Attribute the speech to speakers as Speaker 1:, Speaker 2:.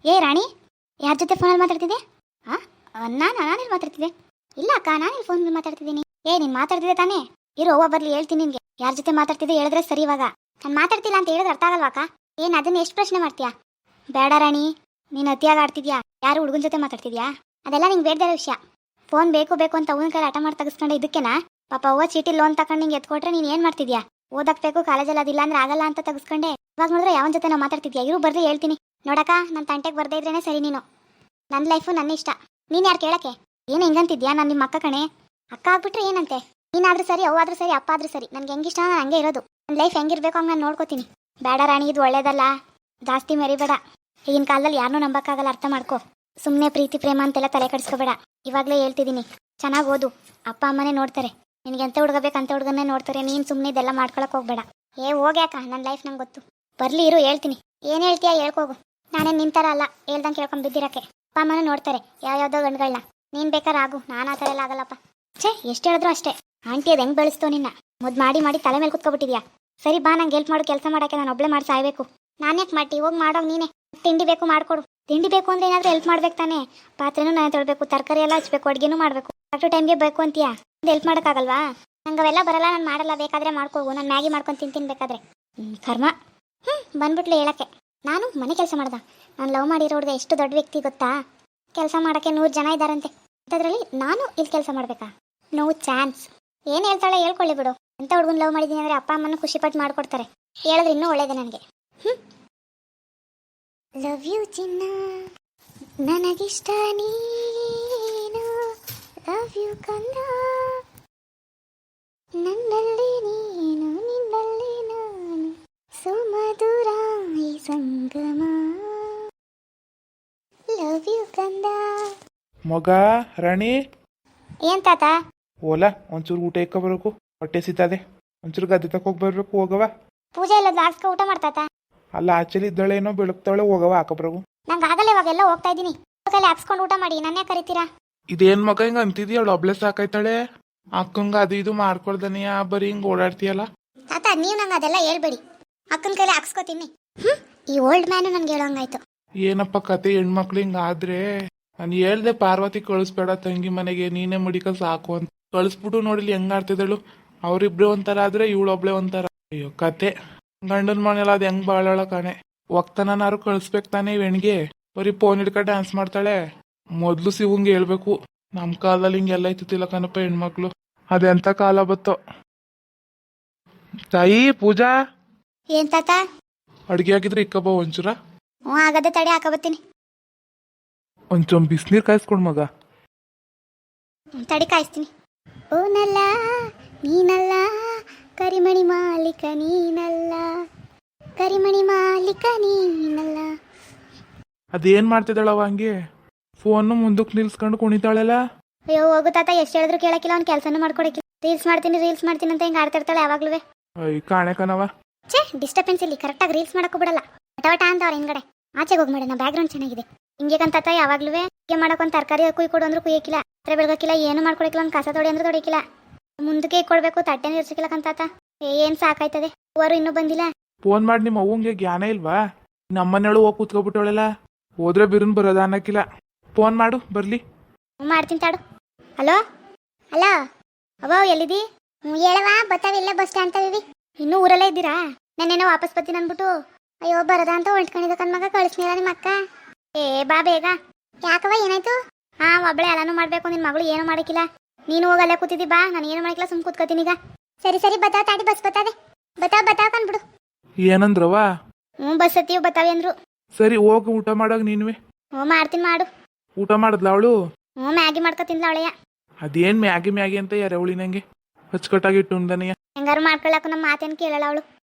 Speaker 1: ಏ ರಾಣಿ, ಯಾರ ಜೊತೆ ಫೋನಲ್ಲಿ ಮಾತಾಡ್ತಿದ್ದೆ? ಹಾ, ನಾನೆಲ್ಲಿ ಮಾತಾಡ್ತಿದ್ದೆ? ಇಲ್ಲ ಅಕ್ಕ, ನಾನೆಲ್ಲಿ ಫೋನಲ್ಲಿ ಮಾತಾಡ್ತಿದ್ದೀನಿ. ನೀನು ಮಾತಾಡ್ತಿದ್ದೆ ತಾನೇ? ಇರು, ಅವ್ವ ಬರ್ಲಿ ಹೇಳ್ತೀನಿ ನಿನ್ಗೆ. ಯಾರ ಜೊತೆ ಮಾತಾಡ್ತಿದ್ದೆ ಹೇಳಿದ್ರೆ ಸರಿ. ಇವಾಗ ನಾನು ಮಾತಾಡ್ತಿಲ್ಲ ಅಂತ ಹೇಳಿದ್ರೆ ಅರ್ಥ ಆಗಲ್ವಾ ಅಕ್ಕ? ಅದನ್ನ ಎಷ್ಟು ಪ್ರಶ್ನೆ ಮಾಡ್ತೀಯಾ? ಬೇಡ ರಾಣಿ, ನೀನು ಅತಿಯಾಗಿ ಆಡ್ತಿದ್ಯಾ. ಯಾರು ಹುಡುಗನ ಜೊತೆ ಮಾತಾಡ್ತಿದ್ಯಾ? ಅದೆಲ್ಲ ನಿಂಗೆ ಬೇಡದೇ ವಿಷಯ. ಫೋನ್ ಬೇಕು ಬೇಕು ಅಂತ ಅವನ ಕೈ ಆಟ ಮಾಡಿ ತೆಗಿಸ್ಕೊಂಡೆ. ಇದಕ್ಕೆನಾ ಪಾಪ ಅವ್ವ ಚೀಟಿ ಲೋನ್ ತಗೊಂಡು ನಿಂಗೆ ಎತ್ಕೊಟ್ರೆ ನೀನು ಏನು ಮಾಡ್ತಿದ್ಯಾ? ಓದಕ್ ಬೇಕು, ಕಾಲೇಜಲ್ಲಿ ಅದಿಲ್ಲ ಅಂದ್ರೆ ಆಗಲ್ಲ ಅಂತ ತೆಗಿಸ್ಕೊಂಡೆ. ಇವಾಗ ನೋಡಿದ್ರೆ ಯಾವನ ಜೊತೆ ನಾವು ಮಾತಾಡ್ತಿದ್ಯಾ? ಇರು ಬರ್ಲಿ ಹೇಳ್ತೀನಿ. ನೋಡಕ್ಕ, ನನ್ನ ತಂಟೆಗೆ ಬರ್ದೇ ಇದ್ರೇನೆ ಸರಿ. ನೀನು ನನ್ನ ಲೈಫು ನನ್ನ ಇಷ್ಟ. ನೀನು ಯಾರು ಕೇಳಕ್ಕೆ? ಏನು ಹಿಂಗಂತಿದ್ಯಾ? ನಾನು ನಿಮ್ಮ ಅಕ್ಕ ಕಣೆ. ಅಕ್ಕ ಆಗ್ಬಿಟ್ರೆ ಏನಂತೆ? ನೀನಾದ್ರೂ ಸರಿ, ಅವ್ವಾದ್ರೂ ಸರಿ, ಅಪ್ಪ ಆದ್ರೂ ಸರಿ. ನನ್ಗೆ ಹೆಂಗಿಷ್ಟ ನಾನು ಹಂಗೆ ಇರೋದು. ನನ್ನ ಲೈಫ್ ಹೆಂಗಿರ್ಬೇಕು ಹಂಗೆ ನಾನು ನೋಡ್ಕೋತೀನಿ. ಬೇಡ ರಾಣಿ, ಇದು ಒಳ್ಳೇದಲ್ಲ. ಜಾಸ್ತಿ ಮೆರಿಬೇಡ. ಈಗಿನ ಕಾಲದಲ್ಲಿ ಯಾರನ್ನೂ ನಂಬಕ್ಕಾಗಲ್ಲ, ಅರ್ಥ ಮಾಡ್ಕೋ. ಸುಮ್ಮನೆ ಪ್ರೀತಿ ಪ್ರೇಮ ಅಂತೆಲ್ಲ ತಲೆ ಕೆಡಿಸ್ಕೋಬೇಡ. ಇವಾಗಲೇ ಹೇಳ್ತಿದ್ದೀನಿ, ಚೆನ್ನಾಗಿ ಓದು. ಅಪ್ಪ ಅಮ್ಮನೇ ನೋಡ್ತಾರೆ. ನಿನಗೆ ಎಂತ ಹುಡುಗಬೇಕಂತ ಹುಡುಗನ್ನೇ ನೋಡ್ತಾರೆ. ನೀನು ಸುಮ್ಮನೆ ಇದೆಲ್ಲ ಮಾಡ್ಕೊಳಕ್ಕೆ ಹೋಗ್ಬೇಡ. ಹೋಗ್ಯಾಕ, ನನ್ನ ಲೈಫ್ ನಂಗೆ ಗೊತ್ತು. ಬರ್ಲಿ ಇರು ಹೇಳ್ತೀನಿ. ಏನು ಹೇಳ್ತೀಯಾ ಹೇಳ್ಕೋಗು. ನಾನೇನು ನಿಂತರ ಅಲ್ಲ ಹೇಳ್ದಂಗೆ ಕೇಳ್ಕೊಂಡು ಬಿದ್ದಿರಕ್ಕೆ. ಅಪ್ಪ ಅಮ್ಮನೂ ನೋಡ್ತಾರೆ ಯಾವ್ಯಾವ್ದೋ ಗಂಡುಗಳನ್ನ. ನೀನು ಬೇಕಾದ್ರೆ ಆಗು, ನಾನು ಆ ಥರ ಎಲ್ಲ ಆಗಲ್ಲಪ್ಪ. ಎಷ್ಟು ಹೇಳಿದ್ರು ಅಷ್ಟೇ. ಆಂಟಿ ಅದು ಹೆಂಗೆ ಬೆಳೆಸ್ತೋ ನಿನ್ನ? ಮಾಡಿ ಮಾಡಿ ತಲೆ ಮೇಲೆ ಕುತ್ಕೊಬಿಟ್ಟಿದ್ಯಾ. ಸರಿ ಬಾ, ನಂಗೆ ಹೆಲ್ಪ್ ಮಾಡು. ಕೆಲಸ ಮಾಡೋಕ್ಕೆ ನಾನು ಒಬ್ಬಳೆ ಮಾಡಿ ಸಾಯ್ಬೇಕು. ನಾನ್ಯಾಕೆ ಮಾಡ್ತಿ? ಹೋಗಿ ಮಾಡೋಗಿ ನೀನೆ. ತಿಂಡಿ ಬೇಕು ಮಾಡಿಕೊಡು. ತಿಂಡಿ ಬೇಕು ಅಂದರೆ ಏನಾದರೂ ಹೆಲ್ಪ್ ಮಾಡ್ಬೇಕು ತಾನೇ? ಪಾತ್ರೆನೂ ನಾನು ತೊಳ್ಬೇಕು, ತರಕಾರಿ ಎಲ್ಲ ಹಚ್ಬೇಕು, ಅಡುಗೆನೂ ಮಾಡಬೇಕು. ಕರೆಕ್ಟ್ ಟೈಮ್ಗೆ ಬೇಕು ಅಂತೀಯಾ? ಹೆಲ್ಪ್ ಮಾಡೋಕ್ಕಾಗಲ್ವಾ? ನಂಗೆ ಅವೆಲ್ಲ ಬರಲ್ಲ, ನಾನು ಮಾಡಲ್ಲ. ಬೇಕಾದರೆ ಮಾಡ್ಕೋಗು. ನಾನು ಮ್ಯಾಗಿ ಮಾಡ್ಕೊಂಡು ತಿಂತೀನಿ ಬೇಕಾದ್ರೆ. ಕರ್ಮ. ಬಂದ್ಬಿಟ್ಲೆ ಹೇಳಕ್ಕೆ. ನಾನು ಮನೆ ಕೆಲಸ ಮಾಡ್ದ. ನಾನು ಲವ್ ಮಾಡಿರೋ ಹುಡುಗ ಎಷ್ಟು ದೊಡ್ಡ ವ್ಯಕ್ತಿ ಗೊತ್ತಾ? ಕೆಲಸ ಮಾಡೋಕ್ಕೆ 100 ಜನ ಇದ್ದಾರಂತೆ. ಅಂಥದ್ರಲ್ಲಿ ನಾನು ಇಲ್ಲಿ ಕೆಲಸ ಮಾಡಬೇಕಾ? No chance. ಏನು ಹೇಳ್ತಾಳೆ ಹೇಳ್ಕೊಳ್ಳಿ ಬಿಡು. ಎಂಥ ಹುಡುಗನ ಲವ್ ಮಾಡಿದ್ದೀನಿ ಅಂದರೆ ಅಪ್ಪ ಅಮ್ಮನ ಖುಷಿಪಟ್ಟು ಮಾಡಿಕೊಡ್ತಾರೆ. ಹೇಳಿದ್ರೆ ಇನ್ನೂ ಒಳ್ಳೇದೆ ನನಗೆ. ಲವ್ ಯು ಚಿನ್ನ, ನನಗಿಷ್ಟ ನೀನು. ಲವ್ ಯು ಕಂದ, ನನ್ನಲ್ಲಿ ನೀನು, ನಿನ್ನಲ್ಲಿ ನಾನು. ಸುಮಧುರ ಈ ಸಂಗಮ. ಲವ್ ಯು ಕಂದ.
Speaker 2: ಮಗ ರಾಣಿ,
Speaker 1: ಏನ್ ತಾತ?
Speaker 2: ಓಲಾ ಒಂಚೂರು ಊಟ ಇಕ್ಕ ಬರಬೇಕು. ಹೊಟ್ಟೆ ಸಿಗ್ತದೆ. ಒಂಚೂರು ಗದ್ದೆ ತಕೋಗಿ ಬರ್ಬೇಕು. ಹೋಗವ.
Speaker 1: ಪೂಜೆ ಎಲ್ಲ ಹಾಕ್ಸ್ಕೊ ಊಟ ಮಾಡ್ತಾತ.
Speaker 2: ಅಲ್ಲ ಆಚೆಲಿ ಇದ್ದಾಳೇನೋ, ಬೆಳಗ್ತಾಳೆ. ಹೋಗವ ಹಾಕಬ್ರಗು.
Speaker 1: ನಂಗೆ ಆಗಲ್ಲ, ಇವಾಗೆಲ್ಲ ಹೋಗ್ತಾ ಇದ್ದೀನಿ. ಕೈಲಿ ಹಾಕ್ಸ್ಕೊಂಡು ಊಟ ಮಾಡಿ. ನನ್ನೇ ಕರಿತೀರಾ?
Speaker 2: ಇದೇನ್ ಮಗ ಹಿಂಗ ಅಂತಿದ್ಯ? ಅವಳು ಒಬ್ಳೆ ಸಾಕಾಯ್ತಾಳೆ. ಅಕ್ಕಂಗ ಅದು ಇದು ಮಾಡ್ಕೊಳ್ದನಿಯ, ಬರೀ ಹಿಂಗ್ ಓಡಾಡ್ತೀಯಲ್ಲ.
Speaker 1: ತಾತ, ನೀವು ನಂಗೆ ಅದೆಲ್ಲ ಹೇಳ್ಬೇಡಿ. ಅಕ್ಕನ ಕೈಲಿ ಹಾಕ್ಸ್ಕೊತೀನಿ. ಈ ಓಲ್ಡ್ ಮ್ಯಾನು ನನ್ಗೆ ಹೇಳೋಂಗಾಯ್ತು.
Speaker 2: ಏನಪ್ಪ ಕತೆ? ಹೆಣ್ಮಕ್ಳು ಹಿಂಗ ಆದ್ರೆ ನಾನು ಹೇಳ್ದೆ ಪಾರ್ವತಿ ಕಳಿಸ್ಬೇಡ ತಂಗಿ ಮನೆಗೆ, ನೀನೇ ಮಡಿಕ ಸಾಕು ಅಂತ. ಕಳಿಸ್ಬಿಟ್ಟು ನೋಡಿಲಿ ಹೆಂಗ ಆಡ್ತಿದ್ದಳು. ಅವ್ರಿಬ್ರು ಒಂಥರ ಆದ್ರೆ ಇವಳೊಬ್ಳೆ ಒಂಥರ. ಅಯ್ಯೋ ಕತೆ. ಗಂಡನ ಮನೆಯಲ್ಲ ಅದು ಹೆಂಗ್ ಬಾಳೋಳ ಕಾಣೆ. ಒಕ್ತನಾರು ಕಳಿಸ್ಬೇಕು ತಾನೇ ಹೆಣ್ಗೆ. ಬರೀ ಫೋನ್ ಹಿಡ್ಕ ಡ್ಯಾನ್ಸ್ ಮಾಡ್ತಾಳೆ. ಮೊದ್ಲು ಶಿವಂಗೆ ಹೇಳ್ಬೇಕು. ನಮ್ ಕಾಲದಲ್ಲಿ ಹಿಂಗೆಲ್ಲ ಇತ್ತಿಲ್ಲ ಕಣಪ್ಪ ಹೆಣ್ಮಕ್ಳು. ಅದೆಂತ ಕಾಲ ಬತ್ತೋ. ತಾಯಿ ಪೂಜಾ,
Speaker 1: ಏನ್ ತಾತ?
Speaker 2: ಅಡ್ಗೆ ಆಗಿದ್ರೆ ಇಕ್ಕಬ್ಬ ಒಂಚೂರ.
Speaker 1: ಆಗದೆ ತಡೆ, ಹಾಕಬತ್ತೀನಿ.
Speaker 2: ಒಂಚೂರು ಬಿಸಿನೀರು ಕಾಯಿಸ್ಕೊಡ್ ಮಗ.
Speaker 1: ತಡಿ ಕಾಯಿಸ್ತೀನಿ. ಓನಲ್ಲ ನೀನಲ್ಲ, ಕರಿಮಣಿ ಮಾಲೀಕ ನೀನಲ್ಲ, ಕರಿಮಣಿ ಮಾಲೀಕ ನೀನಲ್ಲ.
Speaker 2: ಅದೇನ್ ಮಾಡ್ತಿದ್ದಾಳವ ಹಂಗೆ? ಫೋನ್ ಮುಂದಕ್ಕೆ ನಿಲ್ಸ್ಕೊಂಡು ಕುಣಿತಾಳೆಲ್ಲ.
Speaker 1: ಅಯ್ಯೋ ಹೋಗು ತಾತ, ಎಷ್ಟು ಹೇಳಿದ್ರು ಕೇಳಕ್ಕಿಲ್ಲ. ಅವ್ನು ಕೆಲಸನೂ ಮಾಡ್ಕೊಡಕ್ಕಿಲ್ಲ. ರೀಲ್ಸ್ ಮಾಡ್ತೀನಿ ಅಂತ ಹಿಂಗೆ ಆಡ್ತಿರ್ತಾಳೆ ಯಾವಾಗ್ಲೂ.
Speaker 2: ಅಯ್ಯ ಕಾಣೆ ಕಣವ.
Speaker 1: ಡಿಸ್ಟರ್ಬೆನ್ಸ್ ಇಲ್ಲಿ. ಕರೆಕ್ಟಾಗಿ ರೀಲ್ಸ್ ಮಾಡಕ್ಕೂ ಬಿಡಲ್ಲ. ವಟ ಅಂತ ಅವ್ರ ಹಿಂಗಡೆ ಆಚೆಗೆ ಹೋಗಿ ಮಾಡಿ. ನಾ ಬ್ಯಾಕ್ಗ್ರೌಂಡ್ ಚೆನ್ನಾಗಿದೆ. ಹಿಂಗೆ ಕಂತಾತ ಯಾವಾಗ್ಲೂ. ಹೀಗೆ ಮಾಡೋಕೊಂದು ತರಕಾರಿ ಕುಯ್ ಕೊಡು ಅಂದ್ರೂ ಕುಯ್ಯಕ್ಕಿಲ್ಲ. ಹತ್ರ ಬೆಳಗಕ್ಕಿಲ್ಲ. ಏನು ಮಾಡ್ಕೊಡಕ್ಕಿಲ್ಲ. ಒಂದು ಕಸ ತೊಡಿ ಅಂದ್ರೆ ತೊಡಿಕಿಲ್ಲ. ಮುಂದಕ್ಕೆ ಇಟ್ಕೊಡ್ಬೇಕು. ತಟ್ಟೆನ ಇರ್ಸಕ್ಕಿಲ್ಲ ಕಂತಾತ. ಏನ್ ಸಾಕಾಯ್ತದೆ. ಅವರು ಇನ್ನೂ ಬಂದಿಲ್ಲ.
Speaker 2: ಫೋನ್ ಮಾಡಿ ನಿಮ್ಮ ಅವ್ವಂಗೆ ಜ್ಞಾನ ಇಲ್ವಾ? ನಮ್ಮನೆಳು ಹೋಗಿ ಕೂತ್ಕೊಬಿಟ್ಟವಳೆಲ್ಲ. ಹೋದ್ರೆ ಬಿರುನ್ ಬರೋದ ಅನ್ನಕ್ಕಿಲ್ಲ. ಫೋನ್ ಮಾಡು ಬರ್ಲಿ.
Speaker 1: ಮಾಡ್ತೀನಿ ತಾಡು. ಹಲೋ ಹಲೋ ಅವ್ವ, ಎಲ್ಲಿದಿ? ಹೇಳವ, ಬತ್ತಾವಿಲ್ಲ ಬಸ್ ಸ್ಟ್ಯಾಂಡ್ ತಗೀವಿ. ಇನ್ನೂ ಊರಲ್ಲೇ ಇದ್ದೀರಾ? ನಾನೇನೋ ವಾಪಸ್ ಬರ್ತೀನಿ ಅಂದ್ಬಿಟ್ಟು. ಅಯ್ಯೋ ಬರದ ಅಂತ ಹೊಂಟ್ಕೊಂಡಿದ್ದ ಕಣ್ಮಗ. ಕಳಿಸ್ನಿಲ್ಲ ನಿಮ್ಮ ಅಕ್ಕ. ಬಾ ಬೇಗ. ಯಾಕವ ಏನಾಯ್ತು? ಒಬ್ಬಳೆ ಎಲ್ಲಾನು ಮಾಡ್ಬೇಕು. ನಿನ್ ಮಗಳು ಏನು ಮಾಡಕ್ಕಿಲ್ಲ. ನೀನು ಹೋಗಲ್ಲೇ ಕೂತಿದ್ದಿ. ಬಾ, ನಾನು ಏನು ಮಾಡಕ್ಕಿಲ್ಲ. ಸುಮ್ ಕೂತ್ಕೋತೀನಿ ಈಗ. ಸರಿ ಬತ್ತಾವ ತಾಡಿ. ಬಸ್ ಬತ್ತಾವೆ. ಬತ್ತಾವ ಕಂದ್ಬಿಡು.
Speaker 2: ಏನಂದ್ರವ?
Speaker 1: ಬಸ್ ಹತ್ತೀವಿ ಬತ್ತಾವೆ ಅಂದ್ರು.
Speaker 2: ಸರಿ ಹೋಗಿ ಊಟ ಮಾಡಾಗ ನೀನುವೆ.
Speaker 1: ಮಾಡ್ತೀನಿ ಮಾಡು.
Speaker 2: ಊಟ ಮಾಡಿದ್ಲ ಅವಳು?
Speaker 1: ಮ್ಯಾಗಿ ಮಾಡ್ಕೊತಿನ್ಲ ಅವಳೆಯ.
Speaker 2: ಅದೇನ್ ಮ್ಯಾಗಿ ಅಂತ ಯಾರವಳಿ ನಂಗೆ ಅಚ್ಚುಕಟ್ಟಾಗಿ ಇಟ್ಟು
Speaker 1: ಹೆಂಗಾರು ಮಾಡ್ಕೊಳ್ಳಾಕು ನಮ್ಮ ಮಾತೇನು ಕೇಳಲ್ಲ ಅವಳು.